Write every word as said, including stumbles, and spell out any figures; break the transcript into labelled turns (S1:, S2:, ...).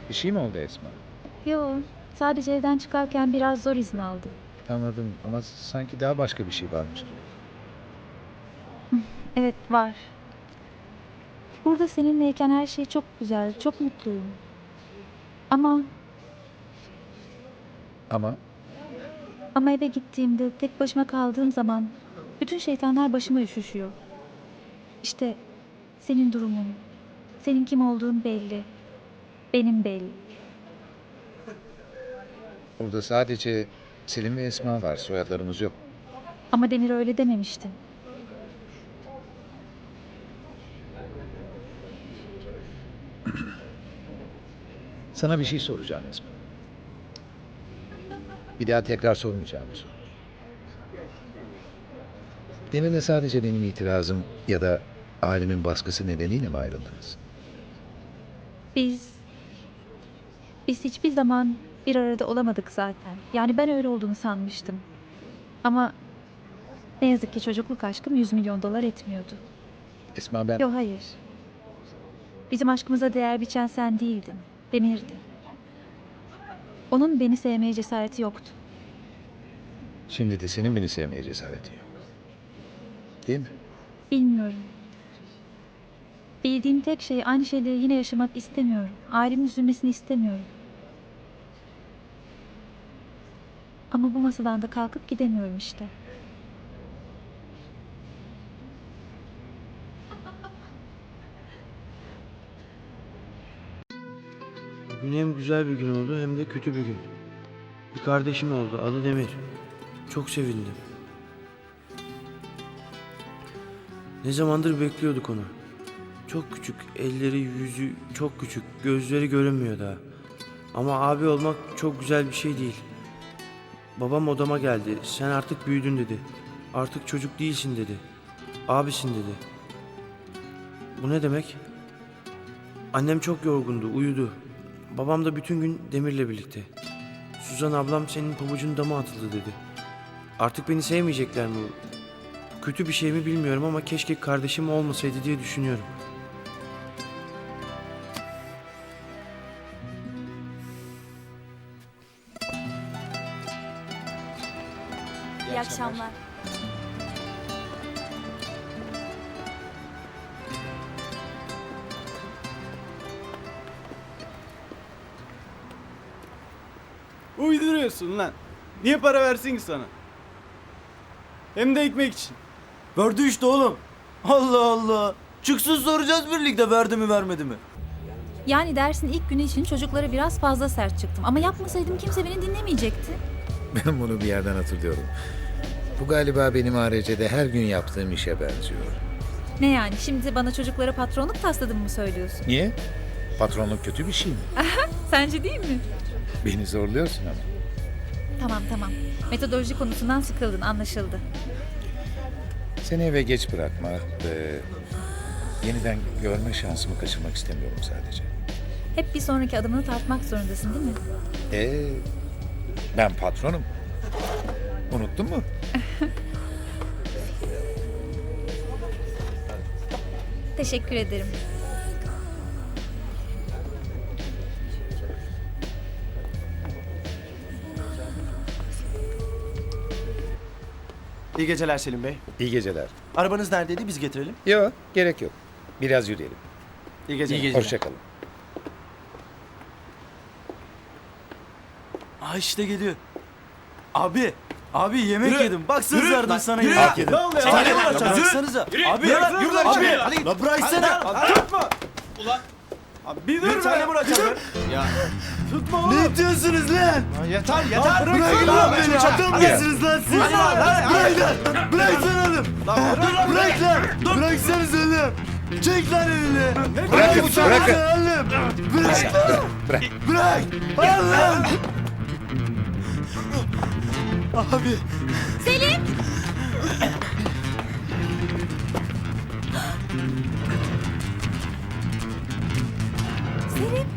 S1: Bir şey mi oldu Esma?
S2: Yo, sadece evden çıkarken biraz zor izin aldım.
S1: Anladım ama sanki daha başka bir şey varmış gibi.
S2: Evet, var. Burada seninleyken her şey çok güzel, çok mutluyum. Ama
S1: Ama
S2: ama eve gittiğimde tek başıma kaldığım zaman bütün şeytanlar başıma üşüşüyor. İşte senin durumun, senin kim olduğun belli, benim belli.
S1: burada sadece Selim ve Esma var. Soyadlarımız yok.
S2: Ama Demir öyle dememişti.
S1: Sana bir şey soracağım Esma. Bir daha tekrar sormayacağım bu soru. Demir'le sadece benim itirazım ya da ailemin baskısı nedeniyle mi ayrıldınız?
S2: Biz, biz hiçbir zaman bir arada olamadık zaten. Yani ben öyle olduğunu sanmıştım. Ama ne yazık ki çocukluk aşkım yüz milyon dolar etmiyordu.
S1: Esma ben...
S2: Yok hayır. Bizim aşkımıza değer biçen sen değildin. Demir'di. Onun beni sevmeye cesareti yoktu.
S1: Şimdi de senin beni sevmeye cesaretin yok. Değil mi?
S2: Bilmiyorum. Bildiğim tek şey aynı şeyleri yine yaşamak istemiyorum. Ailemin üzülmesini istemiyorum. Ama bu masadan da kalkıp gidemiyorum işte.
S3: Bugün hem güzel bir gün oldu hem de kötü bir gün. Bir kardeşim oldu, adı Demir. Çok sevindim. Ne zamandır bekliyorduk onu. Çok küçük, elleri yüzü çok küçük, gözleri görünmüyor daha. Ama abi olmak çok güzel bir şey değil. Babam odama geldi, sen artık büyüdün dedi. Artık çocuk değilsin dedi. Abisin dedi. Bu ne demek? Annem çok yorgundu, uyudu. Babam da bütün gün Demir'le birlikte. Suzan ablam senin pabucun dama atıldı dedi. Artık beni sevmeyecekler mi? Kötü bir şey mi bilmiyorum ama keşke kardeşim olmasaydı diye düşünüyorum.
S4: İyi akşamlar.
S5: Uyduruyorsun lan. Niye para versin ki sana? Hem de ekmek için.
S6: Verdi işte oğlum. Allah Allah. Çıksın soracağız birlikte verdi mi vermedi mi?
S4: Yani dersin ilk günü için çocuklara biraz fazla sert çıktım. Ama yapmasaydım kimse beni dinlemeyecekti.
S1: Ben bunu bir yerden hatırlıyorum. Bu galiba benim A R C'de her gün yaptığım işe benziyor.
S4: Ne yani şimdi bana çocuklara patronluk tasladın mı söylüyorsun?
S1: Niye? Patronluk kötü bir şey mi?
S4: Sence değil mi?
S1: Beni zorluyorsun ama.
S4: Tamam tamam. Metodoloji konusundan sıkıldın anlaşıldı.
S1: Seni eve geç bırakma ve yeniden görme şansımı kaçırmak istemiyorum sadece.
S4: Hep bir sonraki adımını tartmak zorundasın değil mi?
S1: Ee, ben patronum. Unuttun mu?
S4: Teşekkür ederim.
S6: İyi geceler Selim Bey.
S1: İyi geceler.
S6: Arabanız neredeydi biz getirelim.
S1: Yok, gerek yok. Biraz yürüyelim.
S6: İyi geceler.
S1: Hoşça kalın.
S6: Aa işte geliyor. Abi. Abi yemek
S5: Yürü.
S6: yedim. Bak söz
S5: Yürü.
S6: verdim
S5: Lan,
S6: sana
S5: yürü.
S6: yemek yedim.
S5: Ne oluyor?
S6: Sen
S5: Hadi
S6: ne
S5: lan,
S6: bırakacaksın?
S5: yürü.
S6: Bıraksanıza. Abi.
S5: Yürü,
S6: Yürü,
S5: yürü
S6: lan,
S5: lan,
S6: abi.
S5: yürü.
S6: Hadi. La bıraksana.
S5: Hadi, tutma. Ulan. Abi bir dur
S6: Bir
S5: be.
S6: tane bırakacaksın.
S5: Ya. Tutma oğlum.
S6: Ne diyorsunuz lan?
S5: Yeter
S6: Yeter.
S5: bırak
S6: Bırakın
S5: lan
S6: lan
S5: beni.
S6: beni. Adam mısınız lan siz?
S5: Hadi lan, hadi,
S6: Bırak lan. Bırak lan oğlum. Bırak lan. Bıraksanız oğlum. Çek lan elini.
S1: Bırakın, bırakın.
S6: Oğlum. Bırak lan.
S1: Bırak.
S6: Bırak. Al lan. Abi.
S4: Selim.